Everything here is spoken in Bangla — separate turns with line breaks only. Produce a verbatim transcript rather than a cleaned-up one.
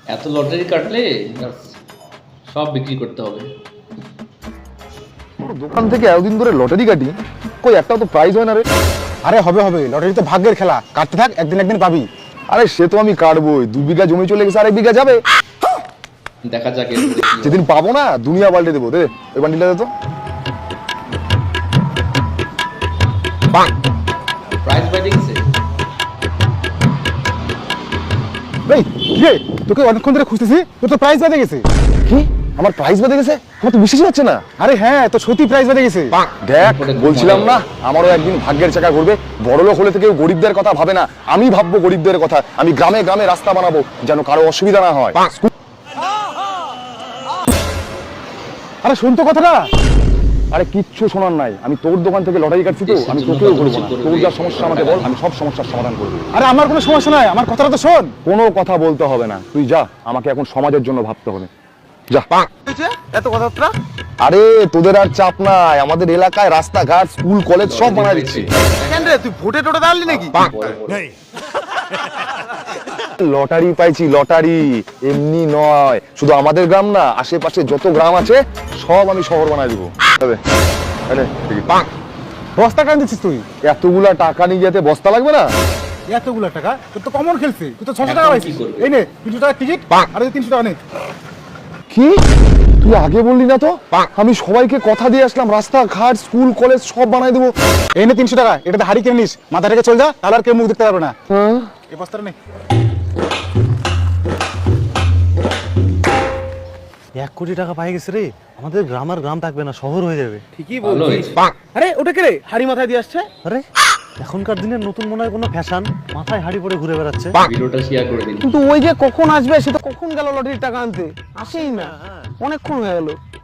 এত লটারি কাটলে সব বিক্রি করতে হবে।
দোকান থেকে এতদিন ধরে লটারি কাটি, কই একটাও তো প্রাইজ হয় না রে।
আরে হবে হবে, লটারি তো ভাগ্যের খেলা, কাটতে থাক, একদিন একদিন পাবি।
আরে সে তো আমি কাটবোই, দু বিঘা জমি চলে গেছে, আরেক বিঘা যাবে।
দেখা যাক
যেদিন পাবো না দুনিয়া পাল্টে দেবো। দে ওই বান্ডিলটা দে তো।
প্রাইস বাই দেখছে।
এই কি রে, তোকে অনেকক্ষণ ধরে খুঁজতেছি, তোর তো প্রাইজ বেঁধে গেছে।
কি আমার প্রাইজ বেঁধে গেছে? আমার তো বিশ্বাসই হচ্ছে না।
আরে হ্যাঁ, তো সত্যি প্রাইজ বেঁধে গেছে।
দেখ বলছিলাম না আমারও একদিন ভাগ্যের চাকা ঘুরবে। বড়লোক হলে থেকে গরিবদের কথা ভাবে না, আমি ভাববো গরিবদের কথা। আমি গ্রামে গ্রামে রাস্তা বানাবো যেন কারো অসুবিধা না হয়।
আরে শুন তো কথাটা।
আরে কিচ্ছু শোনার নাই, আমি তোর দোকান থেকে লটারি কাটছি তো, আমি তোকেও করবো না। তোর যা সমস্যা আমাকে বল, আমি সব সমস্যার সমাধান করবো।
আরে আমার কোনো সমস্যা নাই, আমার কথাটা তো শোন।
কোনো কথা বলতে হবে না, তুই যা, আমাকে এখন সমাজের জন্য ভাবতে হবে। যা।
এত কথাটা?
আরে তোদের আর চাপ নাই, আমাদের এলাকায় রাস্তাঘাট স্কুল কলেজ সব বানায় দিচ্ছি।
কেন রে, তুই ভোটে টোটে দাঁড়ালি নাকি?
লটারি পাইছি, লটারি এমনি নয়, শুধু আমাদের গ্রাম না, আশেপাশে যত গ্রাম আছে সব আমি শহর বানায় দিব। তবে আরে দেখি পাক
বস্তা কেন দিচ্ছিস তুই?
এতগুলা টাকা নিয়ে যেতে বস্তা লাগবে না?
এতগুলো টাকা? তোর তো কমন খেলছে, তুই তো ছশো
এখন
টাকা
কি
পাইছিস।
করবে?
এই নে তিনশো টাকার টিকিট, আর এই তিনশো টাকা নে।
কি তুই আগে বললি না তো? আমি সবাইকে কথা দিয়ে আসলাম রাস্তাঘাট স্কুল কলেজ সব বানায় দেবো।
এই নে তিনশো টাকা, এটাতে হাড়ি কিনে নিস, মাথা রেখে চল যা, তাহলে আর কেউ মুখ দেখতে পারবে না। এই বস্তাটা নে।
এক কোটি টাকা পাই গেছে রে, আমাদের গ্রাম আর গ্রাম থাকবে না, শহর হয়ে যাবে।
ঠিকই
ভালো
বলছিস।
হয়েছে।
আরে ওটা কে রে, হাড়ি মাথায় দিয়ে আসছে?
আরে এখনকার দিনের নতুন মনে হয় কোনো ফ্যাশন, মাথায় হাড়ি পরে ঘুরে বেড়াচ্ছে।
ভিডিওটা শেয়ার করে দিন।
কিন্তু ওই যে কখন আসবে, সে তো কখন গেল লটারির টাকা আনতে, আসেই না, অনেকক্ষণ হয়ে গেল।